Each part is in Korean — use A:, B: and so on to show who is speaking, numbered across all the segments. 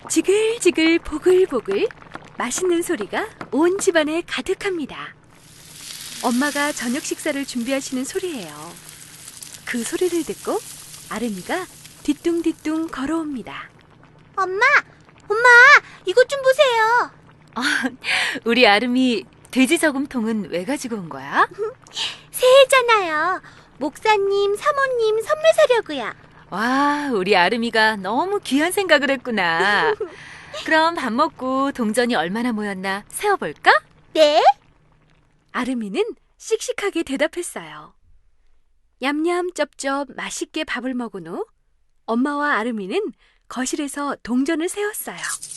A: 지글지글 보글보글 맛있는 소리가 온 집안에 가득합니다. 엄마가 저녁 식사를 준비하시는 소리예요. 그 소리를 듣고 아름이가 뒤뚱뒤뚱 걸어옵니다.
B: 엄마, 이것 좀 보세요.
A: 우리 아름이 돼지 저금통은 왜 가지고 온 거야?
B: 새해잖아요. 목사님, 사모님 선물 사려고요.
A: 와, 우리 아름이가 너무 귀한 생각을 했구나. 그럼 밥 먹고 동전이 얼마나 모였나 세어볼까?
B: 네?
A: 아름이는 씩씩하게 대답했어요. 냠냠 쩝쩝 맛있게 밥을 먹은 후 엄마와 아름이는 거실에서 동전을 세었어요.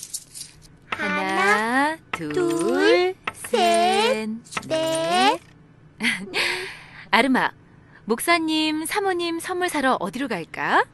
A: 하나, 둘, 셋, 넷. 아름아, 목사님, 사모님 선물 사러 어디로 갈까?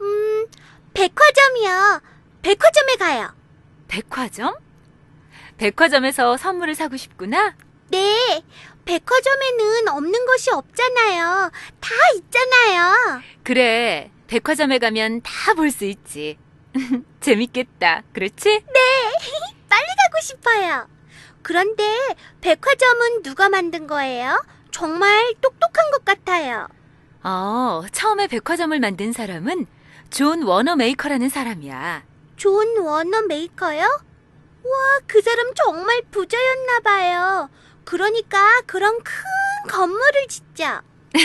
B: 백화점이요. 백화점에 가요.
A: 백화점? 백화점에서 선물을 사고 싶구나?
B: 네, 백화점에는 없는 것이 없잖아요. 다 있잖아요.
A: 그래, 백화점에 가면 다 볼 수 있지. 재밌겠다, 그렇지?
B: 빨리 가고 싶어요. 그런데 백화점은 누가 만든 거예요? 정말 똑똑한 것 같아요.
A: 처음에 백화점을 만든 사람은 존 워너 메이커라는 사람이야.
B: 존 워너 메이커요? 와, 그 사람 정말 부자였나 봐요. 그러니까 그런 큰 건물을 짓죠.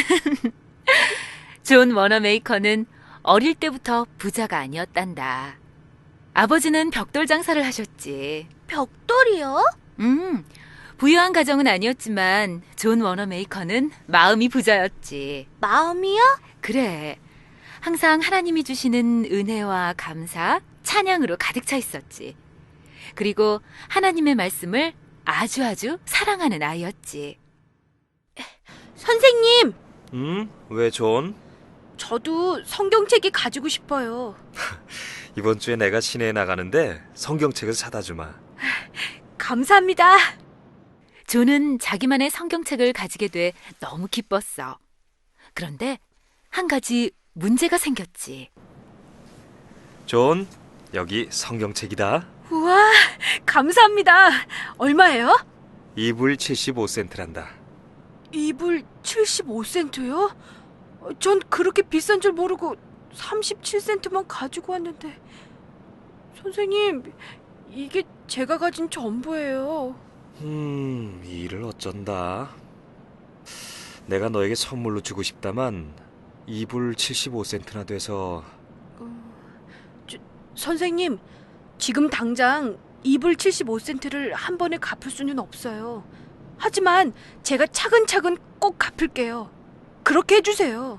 A: 존 워너 메이커는 어릴 때부터 부자가 아니었단다. 아버지는 벽돌 장사를 하셨지.
B: 벽돌이요?
A: 부유한 가정은 아니었지만 존 워너 메이커는 마음이 부자였지.
B: 마음이요?
A: 그래. 항상 하나님이 주시는 은혜와 감사, 찬양으로 가득 차 있었지. 그리고 하나님의 말씀을 아주 사랑하는 아이였지.
B: 선생님,
C: 왜 존?
A: 저도 성경책이 가지고 싶어요.
C: 이번 주에 내가 시내에 나가는데 성경책을 사다 주마.
A: 감사합니다. 존은 자기만의 성경책을 가지게 돼 너무 기뻤어. 그런데 한 가지 문제가 생겼지.
C: 존, 여기 성경책이다.
A: 우와, 감사합니다. 얼마예요?
C: 2불 75센트란다.
A: 2불 75센트요? 전 그렇게 비싼 줄 모르고 37센트만 가지고 왔는데. 선생님, 이게 제가 가진 전부예요.
C: 이 일을 어쩐다. 내가 너에게 선물로 주고 싶다만 2불 75센트나 돼서.
A: 선생님, 지금 당장 2불 75센트를 한 번에 갚을 수는 없어요. 하지만 제가 차근차근 꼭 갚을게요. 그렇게 해주세요.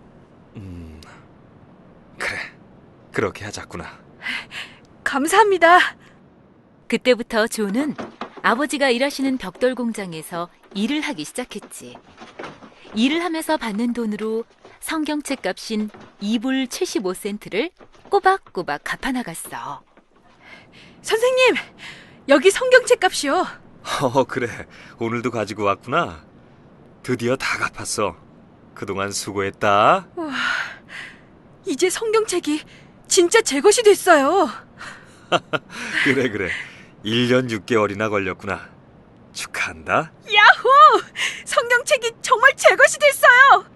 C: 그래, 그렇게 하자꾸나.
A: 감사합니다. 그때부터 존은 아버지가 일하시는 벽돌 공장에서 일을 하기 시작했지. 일을 하면서 받는 돈으로 성경책 값인 2불 75센트를 꼬박꼬박 갚아나갔어. 선생님, 여기 성경책 값이요.
C: 그래, 오늘도 가지고 왔구나. 드디어 다 갚았어. 그동안 수고했다.
A: 와, 이제 성경책이 진짜 제 것이 됐어요.
C: 그래. 1년 6개월이나 걸렸구나. 축하한다.
A: 야호! 성경책이 정말 제 것이 됐어요.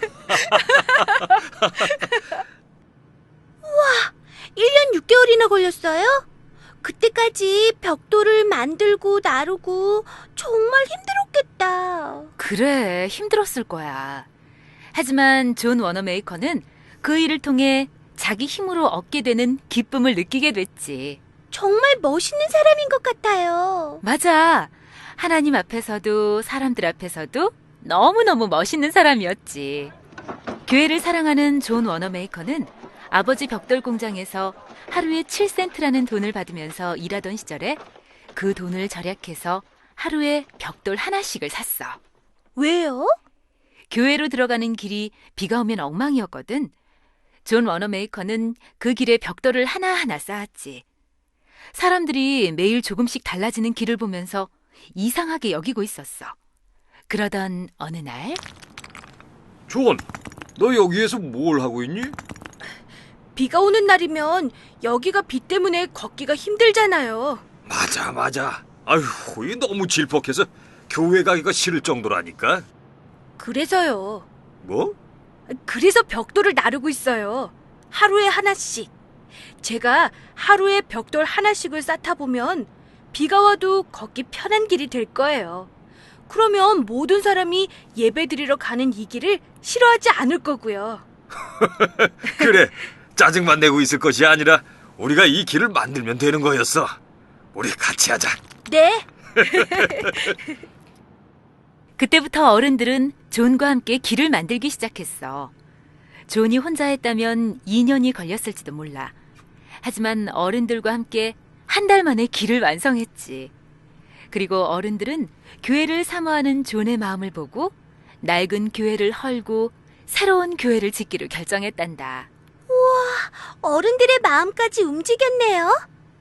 B: 1년 6개월이나 걸렸어요? 그때까지 벽돌을 만들고 나르고 정말 힘들었겠다.
A: 그래, 힘들었을 거야. 하지만 존 워너 메이커는 그 일을 통해 자기 힘으로 얻게 되는 기쁨을 느끼게 됐지.
B: 정말 멋있는 사람인 것 같아요.
A: 맞아. 하나님 앞에서도 사람들 앞에서도 너무너무 멋있는 사람이었지. 교회를 사랑하는 존 워너 메이커는 아버지 벽돌 공장에서 하루에 7센트라는 돈을 받으면서 일하던 시절에 그 돈을 절약해서 하루에 벽돌 하나씩을 샀어.
B: 왜요?
A: 교회로 들어가는 길이 비가 오면 엉망이었거든. 존 워너 메이커는 그 길에 벽돌을 하나하나 쌓았지. 사람들이 매일 조금씩 달라지는 길을 보면서 이상하게 여기고 있었어. 그러던 어느 날
C: 존, 너 여기에서 뭘 하고 있니?
D: 비가 오는 날이면 여기가 비 때문에 걷기가 힘들잖아요.
C: 맞아. 아휴, 이 너무 질퍽해서 교회 가기가 싫을 정도라니까.
D: 그래서요.
C: 뭐?
D: 그래서 벽돌을 나르고 있어요. 하루에 하나씩. 제가 하루에 벽돌 하나씩을 쌓다 보면 비가 와도 걷기 편한 길이 될 거예요. 그러면 모든 사람이 예배드리러 가는 이 길을 싫어하지 않을 거고요.
C: 그래, 짜증만 내고 있을 것이 아니라 우리가 이 길을 만들면 되는 거였어. 우리 같이 하자.
D: 네.
A: 그때부터 어른들은 존과 함께 길을 만들기 시작했어. 존이 혼자 했다면 2년이 걸렸을지도 몰라. 하지만 어른들과 함께 한 달 만에 길을 완성했지. 그리고 어른들은 교회를 사모하는 존의 마음을 보고 낡은 교회를 헐고 새로운 교회를 짓기로 결정했단다.
B: 어른들의 마음까지 움직였네요.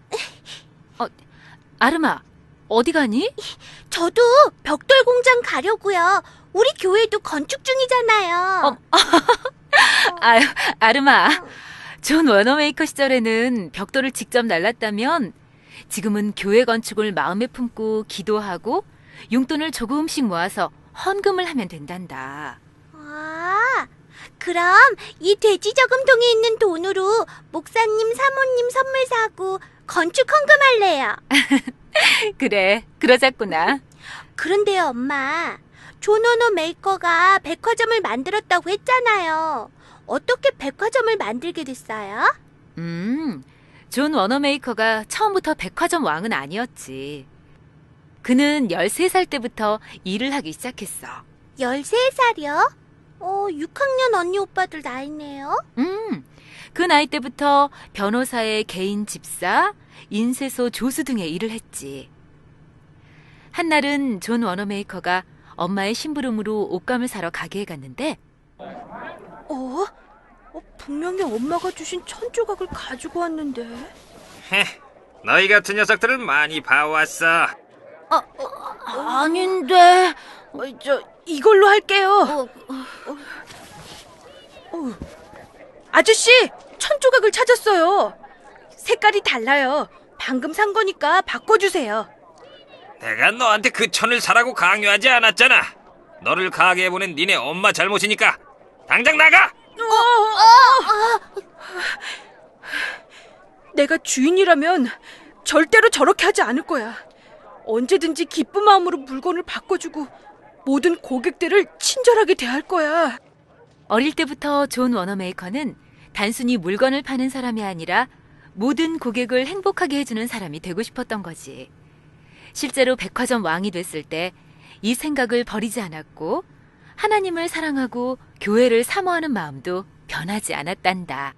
A: 아름아, 어디 가니?
B: 저도 벽돌 공장 가려고요. 우리 교회도 건축 중이잖아요.
A: 아유, 아름아. 존 워너메이커 시절에는 벽돌을 직접 날랐다면 지금은 교회 건축을 마음에 품고 기도하고 용돈을 조금씩 모아서 헌금을 하면 된단다.
B: 아, 그럼 이 돼지 저금통에 있는 돈으로 목사님, 사모님 선물 사고 건축 헌금할래요.
A: 그래, 그러자꾸나.
B: 그런데요, 엄마. 존 워너 메이커가 백화점을 만들었다고 했잖아요. 어떻게 백화점을 만들게 됐어요?
A: 존 워너메이커가 처음부터 백화점 왕은 아니었지. 그는 13살 때부터 일을 하기 시작했어.
B: 13살이요? 6학년 언니 오빠들 나이네요.
A: 그 나이 때부터 변호사의 개인 집사, 인쇄소 조수 등의 일을 했지. 한날은 존 워너메이커가 엄마의 심부름으로 옷감을 사러 가게에 갔는데
D: 분명히 엄마가 주신 천조각을 가지고 왔는데.
C: 너희 같은 녀석들을 많이 봐왔어.
D: 아닌데. 이걸로 할게요. 아저씨, 천조각을 찾았어요. 색깔이 달라요. 방금 산 거니까 바꿔주세요.
E: 내가 너한테 그 천을 사라고 강요하지 않았잖아. 너를 가게에 보낸 니네 엄마 잘못이니까 당장 나가!
D: 내가 주인이라면 절대로 저렇게 하지 않을 거야. 언제든지 기쁜 마음으로 물건을 바꿔주고 모든 고객들을 친절하게 대할 거야.
A: 어릴 때부터 존 워너메이커는 단순히 물건을 파는 사람이 아니라 모든 고객을 행복하게 해주는 사람이 되고 싶었던 거지. 실제로 백화점 왕이 됐을 때 이 생각을 버리지 않았고 하나님을 사랑하고 교회를 사모하는 마음도 변하지 않았단다.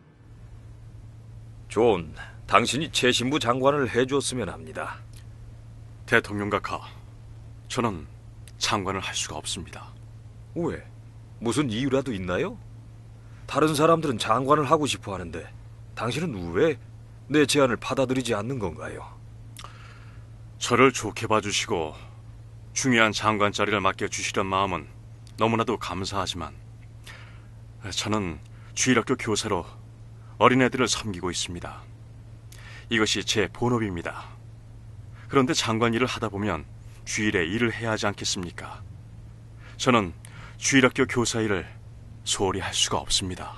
C: 존, 당신이 최신부 장관을 해줬으면 합니다.
F: 대통령 각하, 저는 장관을 할 수가 없습니다.
C: 왜? 무슨 이유라도 있나요? 다른 사람들은 장관을 하고 싶어 하는데 당신은 왜 내 제안을 받아들이지 않는 건가요?
F: 저를 좋게 봐주시고 중요한 장관 자리를 맡겨주시던 마음은 너무나도 감사하지만 저는 주일학교 교사로 어린애들을 섬기고 있습니다. 이것이 제 본업입니다. 그런데 장관 일을 하다 보면 주일에 일을 해야 하지 않겠습니까? 저는 주일학교 교사 일을 소홀히 할 수가 없습니다.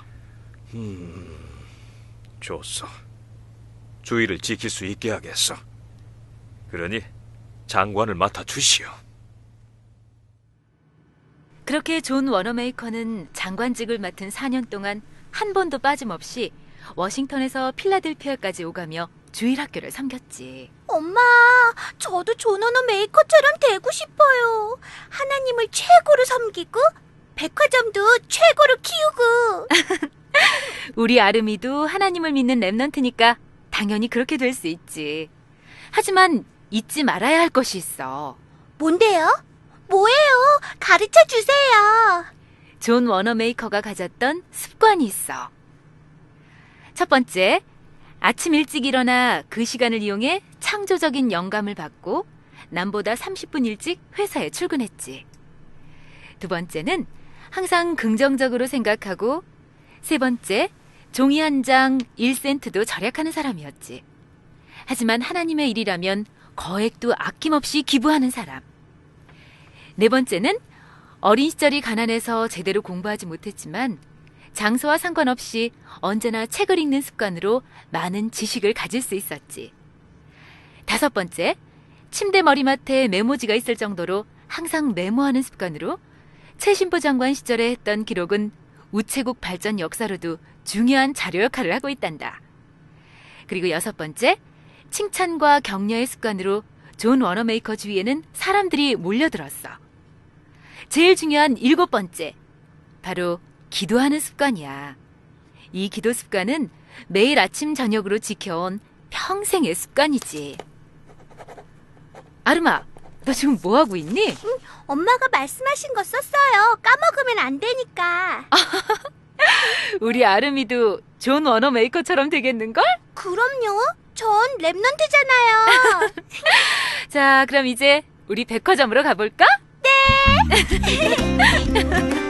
C: 좋소. 주의를 지킬 수 있게 하겠어. 그러니 장관을 맡아주시오.
A: 그렇게 존 워너메이커는 장관직을 맡은 4년 동안 한 번도 빠짐없이 워싱턴에서 필라델피아까지 오가며 주일학교를 섬겼지.
B: 엄마, 저도 존 워너 메이커처럼 되고 싶어요. 하나님을 최고로 섬기고 백화점도 최고로 키우고.
A: 우리 아름이도 하나님을 믿는 랩넌트니까 당연히 그렇게 될 수 있지. 하지만 잊지 말아야 할 것이 있어.
B: 뭔데요? 뭐예요? 가르쳐 주세요.
A: 존 워너메이커가 가졌던 습관이 있어. 첫 번째, 아침 일찍 일어나 그 시간을 이용해 창조적인 영감을 받고 남보다 30분 일찍 회사에 출근했지. 두 번째는 항상 긍정적으로 생각하고, 세 번째, 종이 한 장 1센트도 절약하는 사람이었지. 하지만 하나님의 일이라면 거액도 아낌없이 기부하는 사람. 네 번째는 어린 시절이 가난해서 제대로 공부하지 못했지만 장소와 상관없이 언제나 책을 읽는 습관으로 많은 지식을 가질 수 있었지. 다섯 번째, 침대 머리맡에 메모지가 있을 정도로 항상 메모하는 습관으로 최신부 장관 시절에 했던 기록은 우체국 발전 역사로도 중요한 자료 역할을 하고 있단다. 그리고 여섯 번째, 칭찬과 격려의 습관으로 존 워너메이커 주위에는 사람들이 몰려들었어. 제일 중요한 일곱 번째, 바로 기도하는 습관이야. 이 기도 습관은 매일 아침 저녁으로 지켜온 평생의 습관이지. 아름아, 너 지금 뭐 하고 있니?
B: 엄마가 말씀하신 거 썼어요. 까먹으면 안 되니까.
A: 우리 아름이도 존 워너메이커처럼 되겠는걸?
B: 그럼요. 전 랩넌트잖아요.
A: 자, 그럼 이제 우리 백화점으로 가볼까? 네!